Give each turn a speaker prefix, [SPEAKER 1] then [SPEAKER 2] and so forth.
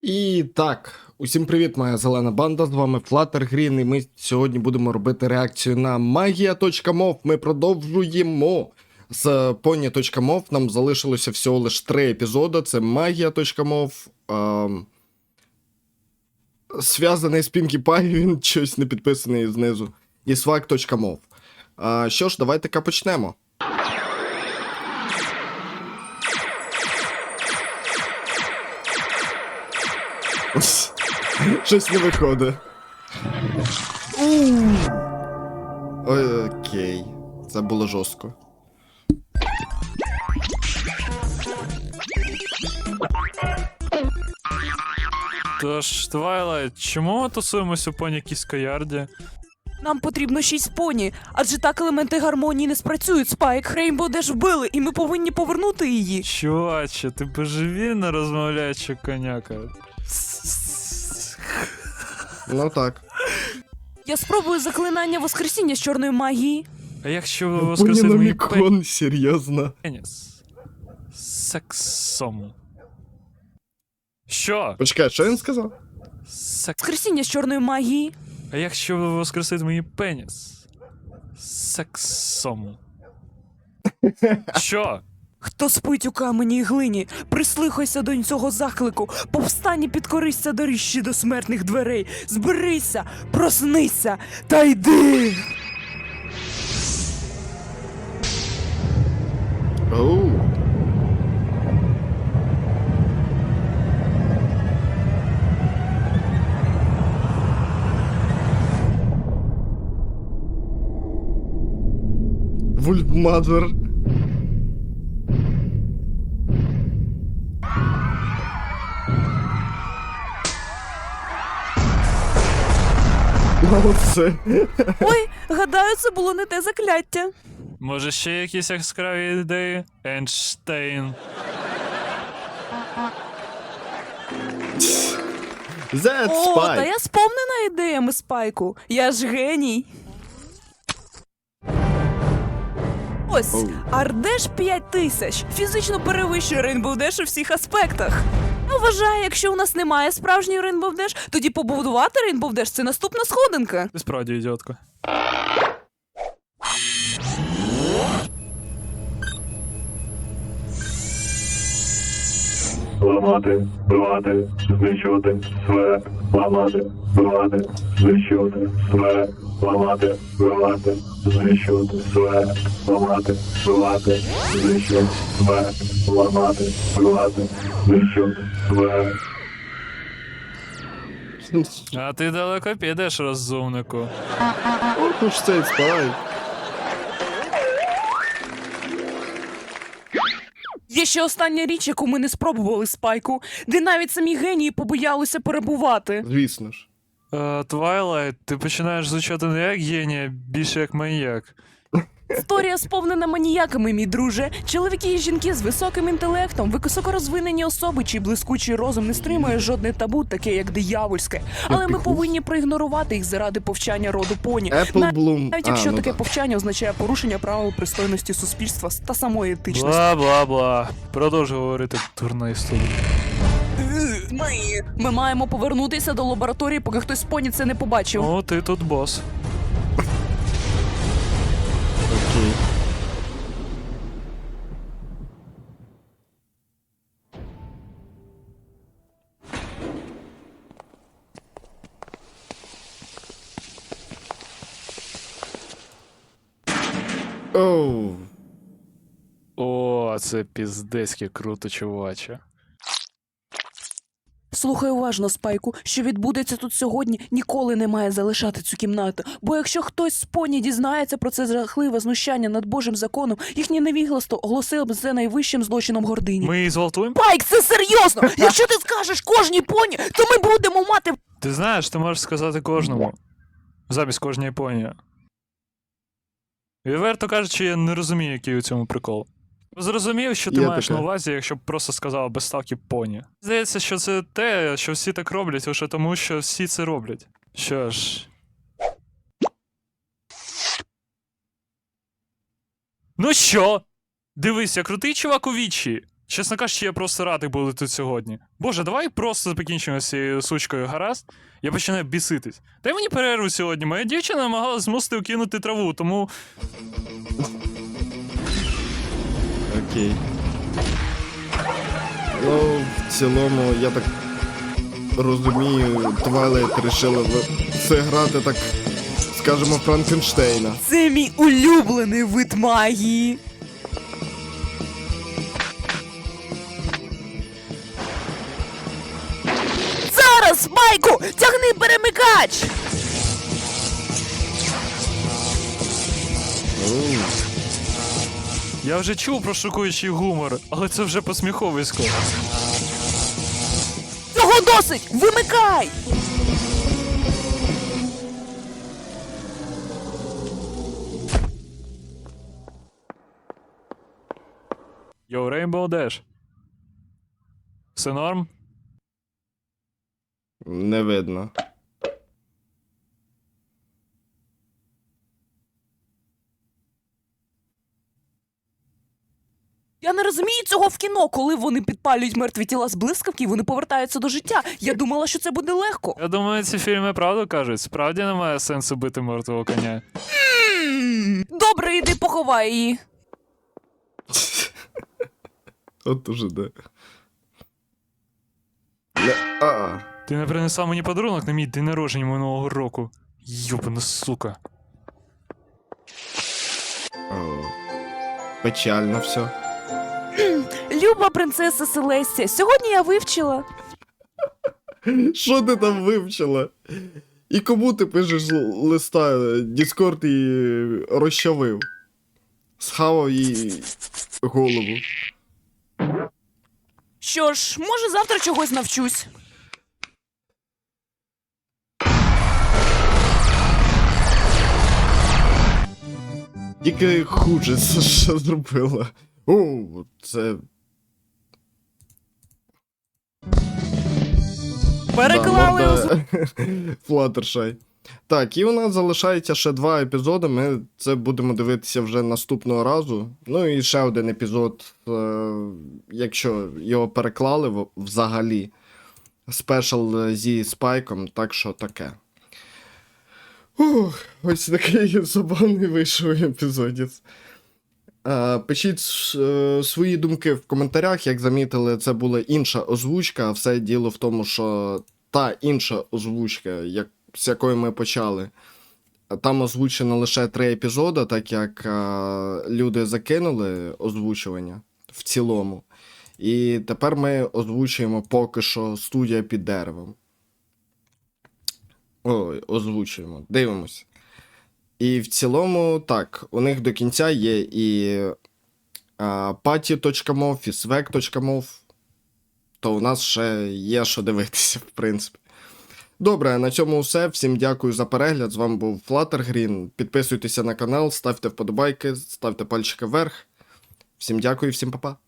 [SPEAKER 1] І так, усім привіт, моя зелена банда, з вами Fluttergreen, і ми сьогодні будемо робити реакцію на Magia.mov. Ми продовжуємо з Pony.mov, нам залишилося всього лише 3 епізоди, це Magia.mov, зв'язаний з Pinkie Pie, він щось не підписаний знизу, і Swag.mov. Що ж, давайте-ка почнемо. Щось не виходить. Окей. Це було жорстко.
[SPEAKER 2] Тож, Твайлайт, чому ми тусуємось у поні Кіскоярді?
[SPEAKER 3] Нам потрібно 6 поні, адже так елементи гармонії не спрацюють. Спайк, Рейнбоу Деш вбили, і ми повинні повернути її.
[SPEAKER 2] Чуваче, ти божевільно розмовляючи коняка.
[SPEAKER 1] Ну так.
[SPEAKER 3] Я спробую заклинання воскресіння з чорної магії.
[SPEAKER 2] А якщо воскресить мій
[SPEAKER 1] Поніномікон, серйозно.
[SPEAKER 2] пеніс? Сексом. Що?
[SPEAKER 1] Почекай, що він сказав?
[SPEAKER 3] Воскресіння з чорної магії.
[SPEAKER 2] А якщо воскресить мій пеніс? Сексом. Що?
[SPEAKER 3] Хто спить у камені і глині, прислухайся до цього заклику, повстань і підкорися доріжчі до смертних дверей, зберися, проснися та йди!
[SPEAKER 1] Оу. Вульфмадер. Молодце.
[SPEAKER 3] Ой, гадаю, це було не те закляття.
[SPEAKER 2] Може ще якісь яскраві ідеї? Ейнштейн.
[SPEAKER 1] That
[SPEAKER 3] О, та
[SPEAKER 1] spy.
[SPEAKER 3] я сповнена ідеями, Спайку. Я ж геній. Ось,
[SPEAKER 1] Оу.
[SPEAKER 3] Ардеш 5000. Фізично перевищує Рейнбоу Деш у всіх аспектах. Я вважаю, якщо у нас немає справжньої Рейнбоу Деш, тоді побудувати Рейнбоу Деш – це наступна сходинка.
[SPEAKER 2] Ти справді ідіотка.
[SPEAKER 4] Ламати, бивати, знищувати, своє, ламати, бивати, знищувати, своє, ламати, бивати, знищувати, своє, ламати, бивати, знищувати, своє, ламати, бивати, знищувати, своє.
[SPEAKER 2] А ти далеко підеш, розумнику.
[SPEAKER 1] Ох уж цей спай.
[SPEAKER 3] Є ще остання річ, яку ми не спробували, Спайку, де навіть самі генії побоялися перебувати.
[SPEAKER 1] Звісно ж.
[SPEAKER 2] Твайлайт, ти починаєш звучати не як генія, більше як маньяк.
[SPEAKER 3] Історія сповнена маніяками, мій друже. Чоловіки і жінки з високим інтелектом, високорозвинені особи, чий блискучий розум не стримує жодне табу, таке як диявольське. Але ми
[SPEAKER 1] піхус.
[SPEAKER 3] повинні проігнорувати їх заради повчання роду поні.
[SPEAKER 1] Apple Bloom.
[SPEAKER 3] Навіть якщо
[SPEAKER 1] ну
[SPEAKER 3] таке
[SPEAKER 1] да.
[SPEAKER 3] повчання означає порушення правил пристойності суспільства та самої етичності.
[SPEAKER 2] Бла-бла-бла. Продовжуй говорити, дурна історія.
[SPEAKER 3] Ми маємо повернутися до лабораторії, поки хтось з поні це не побачив.
[SPEAKER 2] О, ти тут бос.
[SPEAKER 1] Окей. Оу.
[SPEAKER 2] О, це піздецьки круто, чуваче.
[SPEAKER 3] Слухай уважно, Спайку, що відбудеться тут сьогодні, ніколи не має залишати цю кімнату. Бо якщо хтось з поні дізнається про це жахливе знущання над Божим законом, їхнє невігластво оголосило б це найвищим злочином гордині.
[SPEAKER 2] Ми її зґвалтуємо?
[SPEAKER 3] Спайк, це серйозно! Якщо ти скажеш кожній поні, то ми будемо мати...
[SPEAKER 2] Ти знаєш, ти можеш сказати кожному. Замість кожної поні. Відверто кажучи, я не розумію, який у цьому прикол. Зрозумів, що ти
[SPEAKER 1] Є
[SPEAKER 2] маєш
[SPEAKER 1] таке.
[SPEAKER 2] на увазі, якщо б просто сказав без ставки поні. Здається, що це те, що всі так роблять, лише тому, що всі це роблять. Що ж. Ну що? Дивись, я крутий чувак у вічі. Чесно кажучи, я просто радий були тут сьогодні. Боже, давай просто покінчимо з цією сучкою, гаразд? Я починаю біситись. Дай мені перерву сьогодні. Моя дівчина намагалась змусити кинути траву, тому.
[SPEAKER 1] Окей. Ну, в цілому, я так розумію, Twilight рішили це грати так, скажімо, Франкенштейна.
[SPEAKER 3] Це мій улюблений вид магії. Зараз, Майку! Тягни перемикач!
[SPEAKER 2] Я вже чув про шокуючий гумор, але це вже посміховисько.
[SPEAKER 3] Цього досить! Вимикай!
[SPEAKER 2] Йоу, Rainbow Dash. Все норм?
[SPEAKER 1] Не видно.
[SPEAKER 3] Я не розумію цього в кіно, коли вони підпалюють мертві тіла з блискавки і вони повертаються до життя. Я думала, що це буде легко.
[SPEAKER 2] Я думаю, ці фільми правду кажуть. Справді немає сенсу бити мертвого коня.
[SPEAKER 3] Добре, іди поховай її.
[SPEAKER 1] От уже де. А.
[SPEAKER 2] Ти не принесла мені подарунок на мій день народження минулого року. Йобана сука.
[SPEAKER 1] О. Печально все.
[SPEAKER 3] Люба принцеса Селестія, сьогодні я вивчила.
[SPEAKER 1] Що ти там вивчила? І кому ти пишеш листа? Діскорд її розчавив. Схавав їй голову.
[SPEAKER 3] Що ж, може завтра чогось навчусь.
[SPEAKER 1] Тільки хуже це що зробила. О, це...
[SPEAKER 3] Переклали
[SPEAKER 1] Флаттершай. Так, і у нас залишається ще 2 епізоди. Ми це будемо дивитися вже наступного разу. Ну і ще один епізод, якщо його переклали взагалі. Спешл зі Спайком, так що таке. Ось такий забавний вийшов епізодець. Пишіть свої думки в коментарях. Як замітили, це була інша озвучка. Все діло в тому, що та інша озвучка, з якої ми почали, там озвучено лише 3 епізоди, так як люди закинули озвучування в цілому. І тепер ми озвучуємо поки що студія під деревом. Ой, озвучуємо. Дивимось. І в цілому, так, у них до кінця є і Patty.mov, і Swag.mov, то у нас ще є що дивитися, в принципі. Добре, на цьому все. Всім дякую за перегляд. З вами був FlutterGreen. Підписуйтеся на канал, ставте вподобайки, ставте пальчики вверх. Всім дякую, всім па-па.